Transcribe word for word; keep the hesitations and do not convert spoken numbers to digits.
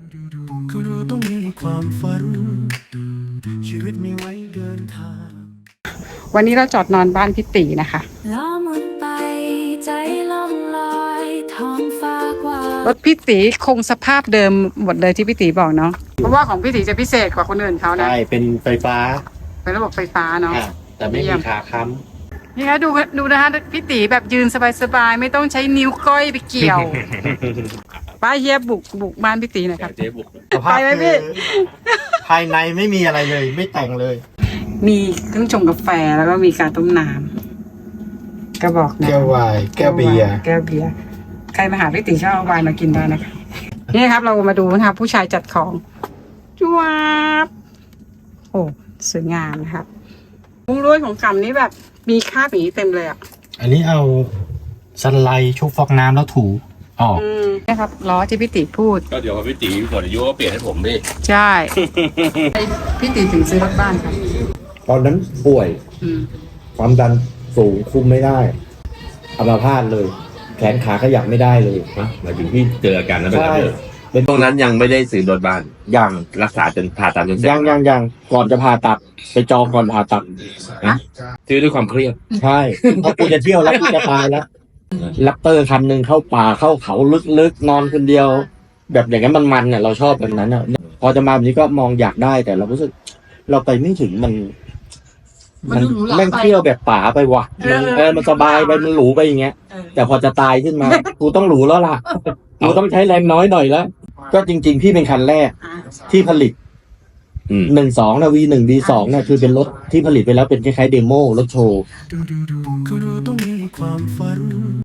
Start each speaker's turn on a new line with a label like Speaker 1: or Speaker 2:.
Speaker 1: ก็เราต้องมีความฝันชีวิตมีไว้เดินทาง
Speaker 2: วันนี้เราจอดนอนบ้านพี่ตีนะคะ
Speaker 3: ล้อมุนไปใจล่องลอยท้องฟ้ากว้าง
Speaker 2: รถพี่ตีคงสภาพเดิมหมดเลยที่พี่ตีบอกเนาะเพราะว่าของพี่ตีจะพิเศษกว่าคนอื่นเขานะ
Speaker 4: ใช่เป็นไฟฟ้า
Speaker 2: เป็นระบบไฟฟ้าเนาะ
Speaker 4: อ่ะแต่ไม่มีขาค้
Speaker 2: นี่คะดูดูนะคะพี่ตีแบบยืนสบายๆไม่ต้องใช้นิ้วก้อยไปเกี่ยว ป้าเฮียบุกบุกบ้านพี่ตีหน่อยครับ
Speaker 4: เจ๊บุก
Speaker 2: ไปไหมพี่
Speaker 4: ภายในไม่มีอะไรเลย ไม่แต่งเลย
Speaker 2: มีเครื่องชงกาแฟแล้วก็มีการต้มน้ำกระบอกน้ำ
Speaker 4: แก้ววายแก้วเบียร์
Speaker 2: แก้วเบียร์ใครมาหาพี่ตีชอบเอาไวน์มากินได้นะคะนี่ครับเรามาดูนะครับผู้ชายจัดของจวบโอ้สวยงามนะครับมุ้งลวดของกำนี้แบบมีคราบอย่างนี้เต็มเลยอ่ะ
Speaker 4: อันนี้เอาสไลด์ชุบฟอกน้ำแล้วถูออก
Speaker 2: อืมนะครับล้อที่พี่ตีพูด
Speaker 5: ก็เดี๋ยวพอพี่ตีหมดอายุก็เปลี่ยนให้ผมดิ
Speaker 2: ใช่ พี่ตีถึงซื้อรถบ้านครับ
Speaker 6: ตอนนั้นป่วย
Speaker 2: อืม
Speaker 6: ความดันสูงคุมไม่ได้อัมพาตเลย แขนขาขยับไม่ได้เลย
Speaker 5: นะหมายถึงพี่เจออาการนั้นไป
Speaker 6: ใช่
Speaker 5: แล้วเลย
Speaker 6: เป็น
Speaker 5: ตรงนั้นยังไม่ได้ซื้อรถบ้าน
Speaker 6: ยัง
Speaker 5: รักษาจนผ่าตัดจนเสร็จ
Speaker 6: ยังยังยังก่อนจะผ่าตัด ไปจองก่อนผ่าตัด
Speaker 5: ซื้อด้วยความเครียด
Speaker 6: ใช่เพราะกูจะเที่ยวแล้วกูจะตายแล้วลัปเตอร์คันหนึ่งเข้าป่าเข้าเขาลึกๆนอนคนเดียว แบบอย่างนั้นมันๆเนี่ยเราชอบแบบนั้นอ่ะพอจะมาแบบนี้ก็มองอยากได้แต่เรารู้สึก เราไปไม่ถึงมัน มันแม่งเที่ยวแบบป่าไปว่ะมันเออมันสบายไปมันหรูไปอย่างเงี้ย แต่พอจะตายขึ้นมา กูต้องหรูแล้วล่ะ กูต้องใช้แรงน้อยหน่อยแล้ว ก็จริง ๆ พี่เป็นคันแรก
Speaker 2: อ่ะ
Speaker 6: ที่ผลิต
Speaker 5: อืม
Speaker 6: หนึ่งสองนะวีหนึ่งวีสองเนี่ยคือเป็นรถที่ผลิตไปแล้วเป็นคล้ายๆเดโมรถโชว์
Speaker 1: ก็เราต้องมีความฝัน